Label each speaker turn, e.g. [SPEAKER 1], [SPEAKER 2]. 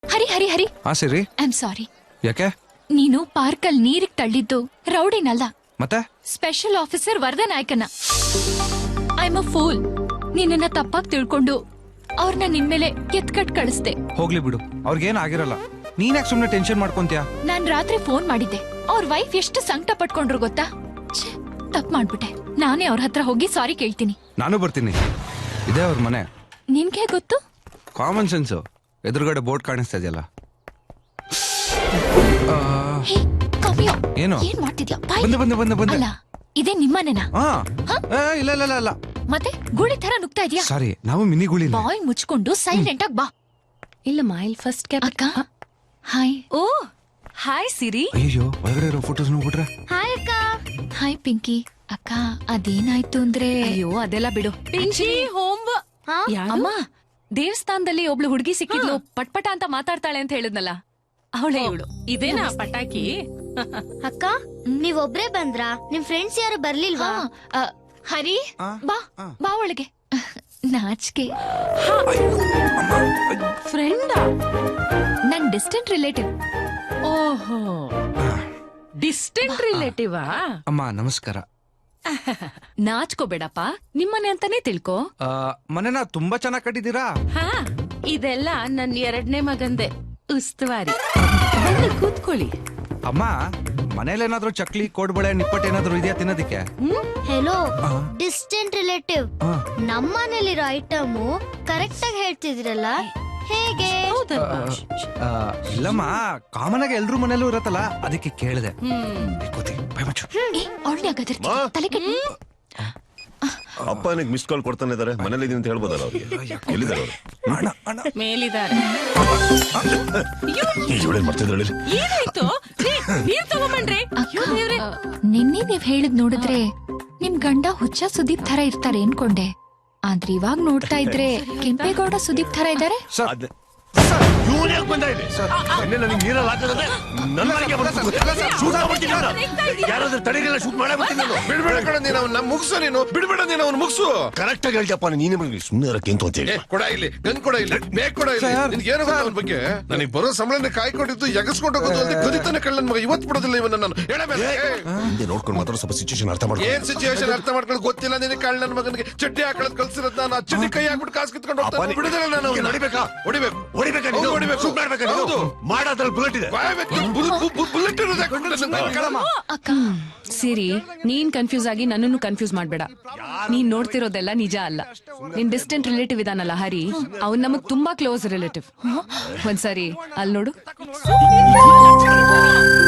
[SPEAKER 1] ಹರಿ ಹರಿ ಹರಿ
[SPEAKER 2] ಹಾ ಸಿರಿ.
[SPEAKER 1] I am sorry.
[SPEAKER 2] ಯಾಕೆ?
[SPEAKER 1] ನೀನು ಪಾರ್ಕಲ್ಲಿ ನೀರಿಗೆ ತಳ್ಳಿದ್ದು ರೌಡಿನಲ್ಲ,
[SPEAKER 2] ಮತ್ತೆ
[SPEAKER 1] ಸ್ಪೆಷಲ್ ಆಫೀಸರ್ ವರದನಾಯಕನ. I am a fool. ನಿನ್ನ ತಪ್ಪಾಗಿ ತಿಳ್ಕೊಂಡು ಅವ್ರನ್ನ ನಿನ್ಮೇಲೆ ಎತ್ಕಟ್ ಕಳಿಸ್ದೆ.
[SPEAKER 2] ಹೋಗ್ಲಿ ಬಿಡು, ಅವ್ರಿಗೇನ್ ಆಗಿರಲ್ಲ. ನೀನ್ ಯಾಕೆ ಸುಮ್ನೆ ಟೆನ್ಷನ್ ಮಾಡ್ಕೊಂತೀಯ?
[SPEAKER 1] ನಾನ್ ರಾತ್ರಿ ಫೋನ್ ಮಾಡಿದ್ದೆ. ಅವ್ರ ವೈಫ್ ಎಷ್ಟು ಸಂಕಟ ಪಟ್ಕೊಂಡ್ರು ಗೊತ್ತಾ? ತಪ್ಪು ಮಾಡ್ಬಿಟ್ಟೆ. ನಾನೇ ಅವ್ರ ಹತ್ರ ಹೋಗಿ ಸಾರಿ ಕೇಳ್ತೀನಿ.
[SPEAKER 2] ನಾನು ಬರ್ತೀನಿ. ಇದೇ ಅವ್ರ ಮನೆ.
[SPEAKER 1] ನಿನ್ಗೆ ಗೊತ್ತು?
[SPEAKER 2] Common sense. ಎದುರುಗಡೆ ಬೋರ್ಡ್ ಕಾಣಿಸ್ತಾ ಇದೆಯಲ್ಲ.
[SPEAKER 1] ಹೇ, ಕಾವ್ಯ,
[SPEAKER 2] ಏನು?
[SPEAKER 1] ಏನ್ ಮಾಡ್ತಿದ್ಯಾ?
[SPEAKER 2] ಬಂದೆ.
[SPEAKER 1] ಅಲ್ಲ, ಇದೇ ನಿಮ್ಮನೆನಾ?
[SPEAKER 2] ಇಲ್ಲ ಇಲ್ಲ ಇಲ್ಲ ಇಲ್ಲ.
[SPEAKER 1] ಮತ್ತೆ ಗುಳಿ ತರ ನುಗ್ತಾ ಇದೆಯಾ?
[SPEAKER 2] ಸಾರಿ, ನಾವು ಮಿನಿ ಗುಳಿ.
[SPEAKER 1] ಬಾಯ್ ಮುಚ್ಕೊಂಡು ಸೈಲೆಂಟ್ ಆಗಿ ಬಾ.
[SPEAKER 3] ಇಲ್ಲಮ್ಮ, ಇಲ್ಲಿ ಫಸ್ಟ್ ಕ್ಯಾಪ್.
[SPEAKER 1] ಅಕ್ಕ ಹಾಯ್.
[SPEAKER 3] ಓ ಹಾಯ್ ಸಿರಿ.
[SPEAKER 2] ಅಯ್ಯೋ, ಒಳಗಡೆ ಇರೋ ಫೋಟೋಸ್ ನೋಡ್ಬಿಟ್ರೆ.
[SPEAKER 1] ಹಾಯ್ ಅಕ್ಕ. ಹಾಯ್ ಪಿಂಕಿ. ಅಕ್ಕ ಅದೇನಾಯ್ತು ಅಂದ್ರೆ,
[SPEAKER 3] ಅಯ್ಯೋ ಅದೆಲ್ಲ ಬಿಡು. ಪಿಂಚಿ ಹೋಮ್. ಅಮ್ಮ, ದೇವಸ್ಥಾನದಲ್ಲಿ ಒಬ್ಳು ಹುಡುಗಿ ಸಿಕ್ಕಿದ್ಲು, ಪಟ್ಪಟ ಅಂತ ಮಾತಾಡ್ತಾಳೆ ಅಂತ ಹೇಳಿದ್ನಲ್ಲ, ಅವಳೇ ಇವಳು.
[SPEAKER 4] ಇದೇನಾ ಪಟಾಕಿ?
[SPEAKER 5] ಅಕ್ಕ, ನೀವೊಬ್ರೇ ಬಂದ್ರಾ? ನಿಮ್ ಫ್ರೆಂಡ್ಸ್ ಯಾರು ಬರ್ಲಿಲ್ವಾ?
[SPEAKER 1] ಹರಿ ಬಾ ಬಾ ಒಳಗೆ. ನಾಚಿಕೆ.
[SPEAKER 4] ಫ್ರೆಂಡ್?
[SPEAKER 1] ನನ್ ಡಿಸ್ಟೆಂಟ್ ರಿಲೇಟಿವ್.
[SPEAKER 4] ಓಹೋ, ಡಿಸ್ಟೆಂಟ್ ರಿಲೇಟಿವಾ?
[SPEAKER 2] ಅಮ್ಮ ನಮಸ್ಕಾರ.
[SPEAKER 3] ನಾಚ್ಕೋಬೇಡಪ್ಪ, ನಿಮ್ಮನೆ ಅಂತಾನೆ ತಿಳ್ಕೊ.
[SPEAKER 2] ಮನೆನ ತುಂಬಾ ಚೆನ್ನಾಗಿ ಕಟ್ಟಿದೀರಾ.
[SPEAKER 4] ಹಾ, ಇದೆಲ್ಲ ನನ್ 2ನೇ ಮಗಂದೆ ಉಸ್ತುವಾರಿ. ಬನ್ನಿ ಕೂತ್ಕೊಳ್ಳಿ.
[SPEAKER 2] ಅಮ್ಮ, ಮನೇಲೇನಾದ್ರೂ ಚಕ್ಲಿ, ಕೋಡ್ಬಳೆ, ನಿಪ್ಪಟ್ಟು ಏನಾದ್ರೂ ಇದೆಯಾ ತಿನ್ನೋದಿಕ್ಕೆ?
[SPEAKER 5] Hello, distant relative. ನಮ್ಮನೇಲಿರೋ ಐಟಮ್ ಕರೆಕ್ಟ್ ಆಗಿ ಹೇಳ್ತಿದ್ರಲ್ಲ, ಹೇಗೆ?
[SPEAKER 2] ಇಲ್ಲಮ್ಮ, ಕಾಮನ್ ಆಗಿ ಎಲ್ರೂ ಮನೇಲೂ ಇರತ್ತಲ್ಲ, ಅದಕ್ಕೆ ಕೇಳಿದೆ.
[SPEAKER 1] ತಲೆ ಕೆಟ್ಟ.
[SPEAKER 6] ಅಪ್ಪ ನನಗೆ ಮಿಸ್ ಕಾಲ್ ಕೊಡ್ತಾನೆ ಇದಾರೆ. ಮನೇಲಿ ಇದೀನಿ ಅಂತ ಹೇಳ್ಬೋದಲ್ಲ ಅವ್ರಿಗೆ. ಎಲ್ಲಿದ್ದಾರೆ ಅವರು?
[SPEAKER 4] ಮೇಲಿದ್ದಾರೆ. ಏನಾಯ್ತು? ನೀರ್ ತಗೊಂಬನ್ರಿ.
[SPEAKER 1] ನಿನ್ನೆ ನೀವ್ ಹೇಳಿದ್ ನೋಡಿದ್ರೆ ನಿಮ್ ಗಂಡ ಹುಚ್ಚ ಸುದೀಪ್ ತರ ಇರ್ತಾರೆ ಅನ್ಕೊಂಡೆ. ಆದ್ರೆ ಇವಾಗ ನೋಡ್ತಾ ಇದ್ರೆ ಕೆಂಪೇಗೌಡ ಸುದೀಪ್ ತರ ಇದಾರೆ.
[SPEAKER 6] ಮುಗಿಸು ನೀನು, ಬಿಡ್ಬೇಡ ನೀನು, ಅವ್ನು ಮುಗಿಸು. ಕರೆಕ್ಟ್ ಆಗಿ ಹೇಳ್ತಪ್ಪ. ನೀನೇ ಸುಮ್ಮನೆ ಕೆಂತು ಅಂತ ಹೇಳಿ. ಕೊಡ ಇಲ್ಲಿ, ಗನ್ ಕೊಡ ಇಲ್ಲಿ, ಬೇಗ ಕೊಡ ಇಲ್ಲಿ. ನಿನ್ಗೇನು ಗೊತ್ತ ಅವನ ಬಗ್ಗೆ? ನನಗೆ ಬರೋ ಸಂಬಳನ ಕಾಯ್ಕೊಂಡಿದ್ದು ಎಗಸ್ಕೊಂಡು ಹೋಗೋದು ಅಲ್ಲದೆ ಕದಿತಾನೆ ಕಳ್ಳನ ಮಗ. ಇವತ್ತು ಬಿಡೋದಿಲ್ಲ ಇವನ್ನ ನಾನು. ಹಿಂದೆ ನೋಡ್ಕೊಂಡು ಮಾತ್ರ ಸ್ವಲ್ಪ ಸಿಚುವೇಶನ್ ಅರ್ಥ ಮಾಡ್ಕೊ. ಏನ್ ಸಿಚುವೇಶನ್ ಅರ್ಥ ಮಾಡ್ಕೊಂಡು ಗೊತ್ತಿಲ್ಲ ನಿನಗೆ? ಕಳ್ಳನ ಮಗನಿಗೆ ಚಡ್ಡಿ ಹಾಕೊಳ್ಳೋದು ಕಲ್ಸಿರೋದು ನಾನು. ಆ ಚಡ್ಡಿ ಕೈ ಹಾಕ್ಬಿಟ್ಟು ಕಾಸು ಕಿತ್ಕೊಂಡು ಹೋಗ್ತಾನೆ. ಬಿಡುದಿಲ್ಲ ನಾನು. ಹೊಡಿಬೇಕಾ? ಹೊಡಿಬೇಕು.
[SPEAKER 3] ಸಿರಿ, ನೀನ್ ಕನ್ಫ್ಯೂಸ್ ಆಗಿ ನನ್ನನ್ನು ಕನ್ಫ್ಯೂಸ್ ಮಾಡ್ಬೇಡ. ನೀನ್ ನೋಡ್ತಿರೋದೆಲ್ಲ ನಿಜ ಅಲ್ಲ. ನಿನ್ ಡಿಸ್ಟೆಂಟ್ ರಿಲೇಟಿವ್ ಇದಾನಲ್ಲ ಹರಿ, ಅವ್ನ್ ನಮಗ್ ತುಂಬಾ ಕ್ಲೋಸ್ ರಿಲೇಟಿವ್. ಒಂದ್ಸರಿ ಅಲ್ಲಿ ನೋಡು.